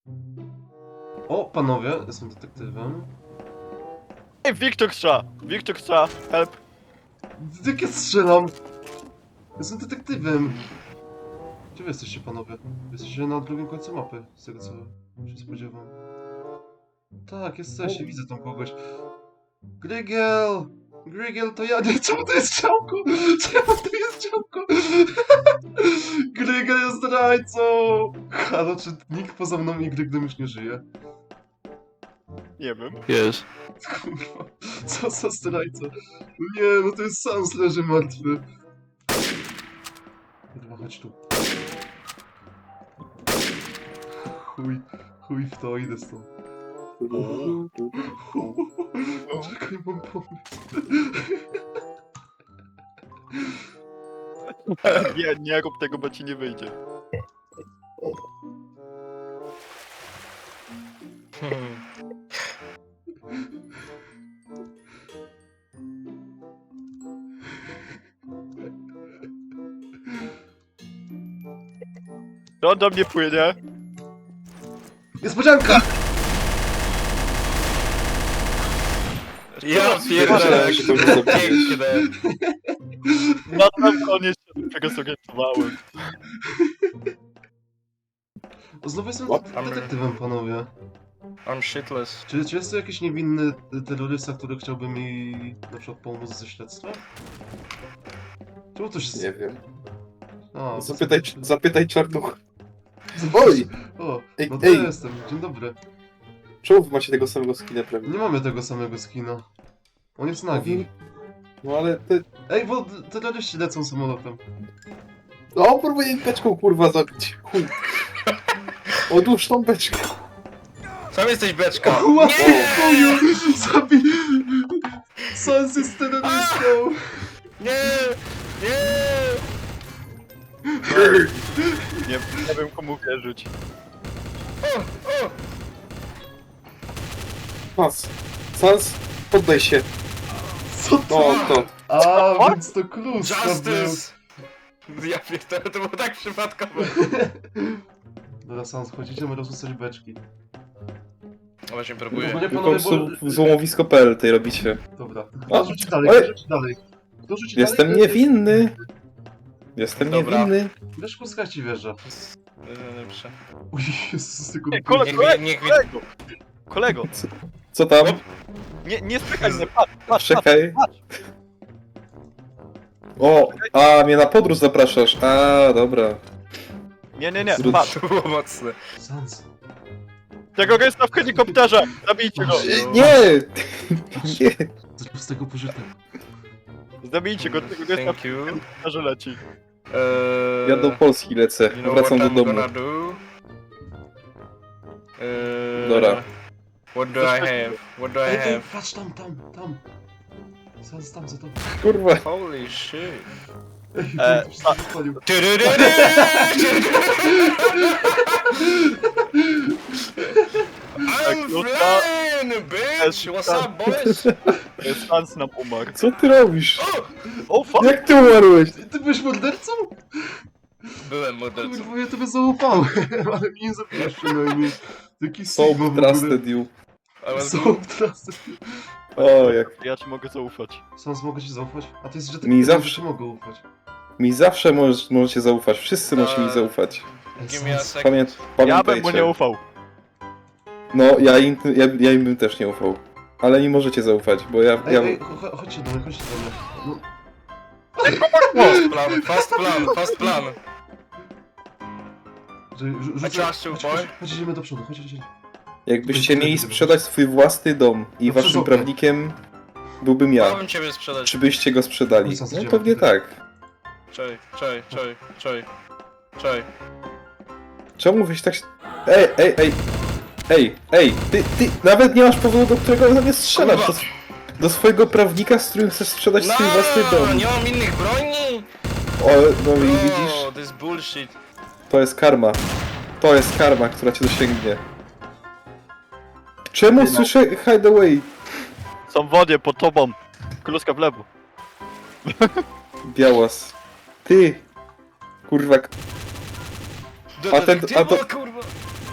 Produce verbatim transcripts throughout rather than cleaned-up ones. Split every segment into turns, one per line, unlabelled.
O, panowie, jestem detektywem.
Ej, Wiktor strzela! Wiktor strzela! Help!
Jak ja strzelam? Jestem detektywem. Gdzie wy jesteście, panowie? Jesteście na drugim końcu mapy, z tego co się spodziewam. Tak, jesteście, widzę tam kogoś. Grygiel! Grygiel, to ja nie... Czemu to jest działko? Czemu to jest działko? Grygiel jest zdrajcą! Halo, czy nikt poza mną i Gryglem już nie żyje?
Nie wiem.
Jest.
Kurwa, co za zdrajca? No nie, no to jest Sans leży martwy. Kurwa, chodź tu. Chuj, chuj w to, idę stąd. Czekaj, mam pomysł.
Nie, nie rób tego, bo ci nie wyjdzie. To on do mnie płynie.
Niespodzianka!
Ja pierdolę, jak to było piękne.
Na sam koniec się tego zorientowałem.
O, znowu jestem
What?
det- detektywem, panowie.
I'm shitless.
Czy, czy jest to jakiś niewinny terrorysta, który chciałby mi na przykład pomóc ze śledztwem? Czemu to się...
Nie wiem.
A,
Zapytaj, zapytaj czarnuch.
Oj!
Oj!
O,
Ej,
no to
ej.
ja jestem, dzień dobry.
Czemu wy macie tego samego skina prawie?
Nie mamy tego samego skina. On jest nagi.
No ale ty...
Ej, bo terroryści lecą samolotem.
O, próbuję beczką kurwa zabić. Chuj. Odłóż tą beczkę.
Sam jesteś beczka.
Wow, chuju! Zabi... Sans jest terrorystą!
Nie! Nie!
Nie, nie wiem komu wierzyć.
O! O!
Sans. Sans, poddaj się.
Co to?
No, to.
A,
What?
więc to klucz to
Justice! Ja pierdolę, to było tak przypadkowe.
był. Dobra, Sans, chodzicie, rozrzucać beczki.
No właśnie
W
próbuję.
ogóle,
Tylko
panowie,
zł-
bo...
złomowisko kropka p l tej robicie.
Dobra.
O,
Kto rzuci dalej,
oj.
kto rzuci dalej? Kto rzuci
Jestem
dalej?
niewinny. Jestem
Dobra.
niewinny.
Wiesz, puskać ci wieża.
Dobrze.
Uj, Jezus, tylko...
Ej, kole,
Niech,
kolego,
niech,
kolego, kolego,
Co tam?
nie, nie spychaj mnie, patrz, patrz, patrz,
Czekaj.
patrz.
O, a mnie na podróż zapraszasz. A, dobra.
Nie, nie, nie,
Zrób-
patrz.
To było mocne.
Sans.
Tego gesta w helikopterze, zabijcie go,
Nie! Nie.
Z tego pożytek.
zabijcie go, tego gesta w
Thank you.
helikopterze leci.
Eee,
Ja do Polski lecę.
you know
Wracam do
what I'm
domu.
gonna do? Eee,
Dobra.
What do I have? What do I
Ej, ej,
have?
patrz tam, tam, tam. Sans, tam, za to.
Kurwa.
Holy shit.
Ej,
E,
to wszystko wypalił.
I'm flying, bitch! What's up, boys?
Sans nam umarł.
Co ty robisz?
O, fuck!
Jak ty umarłeś?
Ty, ty byłeś mordercą?
Byłem mordercą.
Kurwa, ja tobie zaufałem, ale mnie nie zabijesz przynajmniej. Taki
So
Sigma w ogóle.
trusted you.
I was
So trusted.
O, jak
Ja ci mogę zaufać.
Sans, mogę ci zaufać? A ty jesteś, że ty
Mi zawsze-
ci mogę ufać.
mi zawsze możesz, możecie zaufać. Wszyscy możecie mi
Eee,
zaufać.
Ej,
Give me a
Sans,
second.
Pamię,
Ja bym mu nie
pamiętajcie.
ufał.
No, ja im, ja, ja im bym też nie ufał. Ale mi możecie zaufać, bo ja...
Ej,
ja...
ej, cho- cho- chodźcie do mnie, chodźcie do mnie. No,
Fast plan, fast plan, fast plan.
że, rzu-
I
rzucę...
trust you,
chodź,
boy.
chodź, chodź, idziemy do przodu, chodź, chodź, chodź.
Jakbyście mieli sprzedać swój własny dom i
No przez
waszym
okno.
prawnikiem byłbym ja,
Chciałbym ciebie sprzedać.
czy byście go sprzedali?
Oj, co,
No
idziemy.
pewnie tak.
Czej, czej, czej, czej, czej.
Czemu wyś tak... Ej, ej, ej! Ej, ej, ty, ty nawet nie masz powodu, do którego na mnie strzelasz.
Kurwa.
Do, do swojego prawnika, z którym chcesz sprzedać swój własny dom.
nie mam innych broni!
O, no i widzisz,
Oh, this bullshit.
to jest karma. To jest karma, która cię dosięgnie. Czemu
No.
słyszę hideaway?
Są w wodzie, pod tobą. Kluska w lewo.
Białas. Ty! Kurwa, A ten- a to-
kurwa.
przepraszam.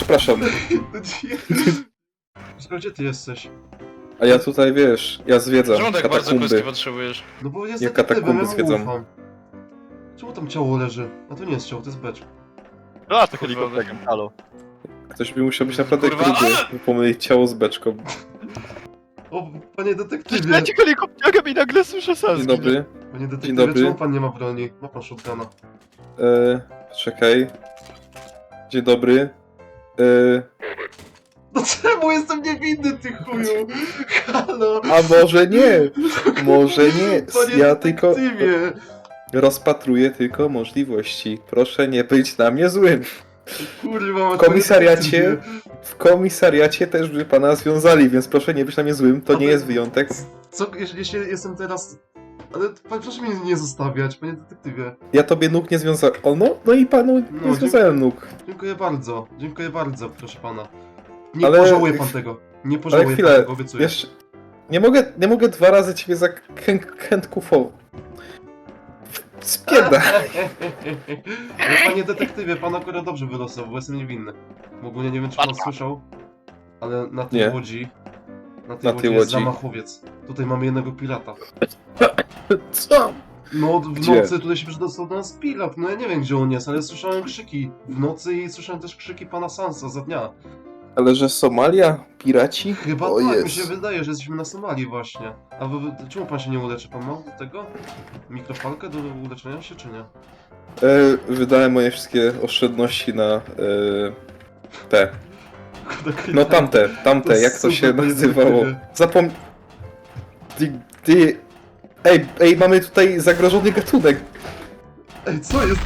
przepraszam.
No nie. Oskar, gdzie ty jesteś?
A ja tutaj, wiesz, ja zwiedzam
Czemu tak bardzo
katakumby.
kreski potrzebujesz?
No bo jest
Ja
detektywem,
katakumby
ja mu
zwiedzam.
ufam. Czemu tam ciało leży? A to nie jest ciało, to jest becz.
A, to helikopterem, halo.
Ktoś by musiał być naprawdę
Kurwa,
gruby,
ale-
by pomylić ciało z beczką.
O, panie
Przecież
detektywie!
leci helikopterem i nagle słyszę sens.
Dzień dobry.
Panie detektywie,
dobry.
czemu pan nie ma broni? Ma pan shotguna.
E, czekaj. Dzień dobry. E,
No czemu jestem niewinny, ty chuju? Halo!
a może nie? Może nie.
Panie
Ja tylko
detektywie!
rozpatruję tylko możliwości. Proszę nie być na mnie złym.
Kurwa,
W komisariacie, w komisariacie też by pana związali, więc proszę nie być na mnie złym. To nie jest wyjątek.
Co, jeśli, jeśli jestem teraz... Ale pan, proszę mnie nie zostawiać, panie detektywie.
Ja tobie nóg nie związałem. O no, no i panu
No,
nie związałem nóg.
Dziękuję bardzo, dziękuję bardzo, proszę pana. Nie
Ale-
pożałuję pan tego. Nie
Ale
pożałuję pan
chwilę,
tego, obiecuję.
wiesz, nie mogę, nie mogę dwa razy ciebie zakrętkufować. Spieda.
Ale panie detektywie, pan akurat dobrze wylosował, bo jestem niewinny. Bo ogólnie nie wiem, czy pan słyszał, ale na tej
Nie.
łodzi... Na tej
Na
łodzi
tej
jest
łodzi.
zamachowiec. Tutaj mamy jednego pirata.
Co?
No, w
Gdzie?
nocy tutaj się przedostał do nas pirat. No ja nie wiem, gdzie on jest, ale słyszałem krzyki w nocy i słyszałem też krzyki pana Sansa za dnia.
Ale że Somalia? Piraci?
Chyba
O
tak,
jest.
mi się wydaje, że jesteśmy na Somalii właśnie. A wy, wy, czemu pan się nie uleczy? Pan ma do tego? Mikrofalkę do uleczenia się, czy nie?
E, wydałem moje wszystkie oszczędności na e, te. No tamte, tamte,
To
jak to się
super,
nazywało?
detektywie.
Zapom... Ty, ty... Ej, ej, mamy tutaj zagrożony gatunek.
Ej, co jest?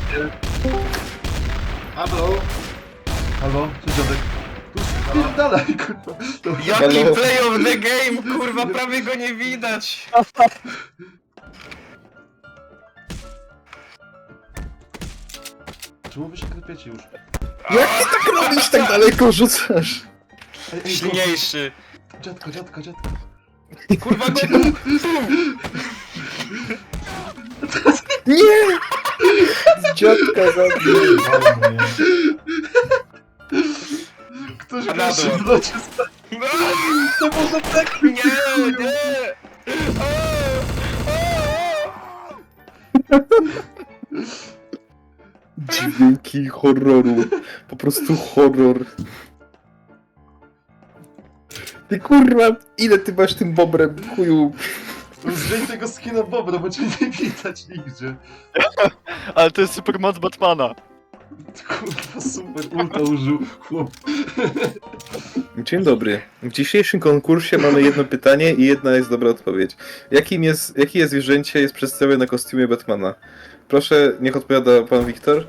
Halo? Halo? Cześć, dziadek. Tu spierdalaj, kurwa. Dobra.
Jaki
Halo?
play of the game, kurwa, prawie go nie widać!
Czemu wy się klepiecie już?
Jak ty tak robisz, tak daleko rzucasz?
Ej, ej,
Silniejszy!
dziadka, dziadka, dziadka.
Kurwa go!
Nie! Dziadka zabił.
Ktoś
Na
pierwszy
dół.
w locie stał. To może tak
Nie, nie! O, o, o.
Dźwięki horroru. Po prostu horror. Ty kurwa, ile ty masz tym bobrem, chuju?
Zdejm tego skina Bobra, bo cię nie widać nigdzie.
Ale to jest supermoc Batmana.
Kurwa, super, ulta użył, chłop.
Dzień dobry. W dzisiejszym konkursie mamy jedno pytanie i jedna jest dobra odpowiedź. Jakim jest, jakie jest zwierzęcie jest przedstawione na kostiumie Batmana? Proszę, niech odpowiada pan Wiktor.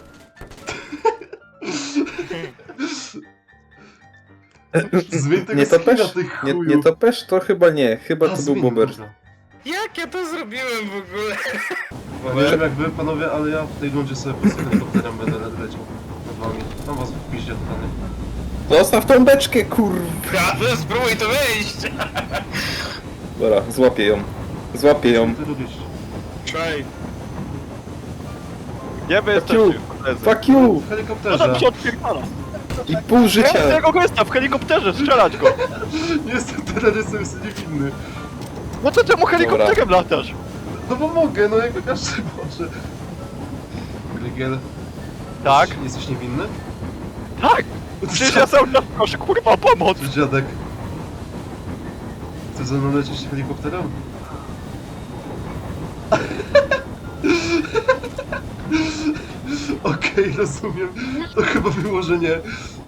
Zmień tego
Nie
skina,
topesz?
ty
Nie,
chuju.
nie topesz? To chyba nie. Chyba
A,
to był
zmień,
Bober.
dobra.
Jak ja to zrobiłem w ogóle?
Nie wiem jak wy, panowie, ale ja w tej rundzie sobie po prostu helikopterem będę le- leciał nad wami. Mam was w piździe totalnie.
Zostaw tą beczkę, kurwa.
Prawda, spróbuj to wejść!
Dobra, złapię ją. Złapię ją.
Co ty robisz?
Try.
Gdzie wy
Fuck you.
jesteście, koledzy?
Fuck you!
W
No
helikopterze.
tam się odpierdala.
I pół
Ja
życia.
tego gościa w helikopterze, strzelać go.
Nie jestem terrorystą, jestem niewinny.
No to czemu helikopterem latasz?
No bo mogę, no jak każdy może. Rygiel,
Tak?
jesteś, jesteś niewinny?
Tak! Przecież ja cały czas proszę, kurwa, pomoc!
Cześć, dziadek. Chcesz ze mną lecieć helikopterem? Okej, rozumiem. To chyba było, że nie.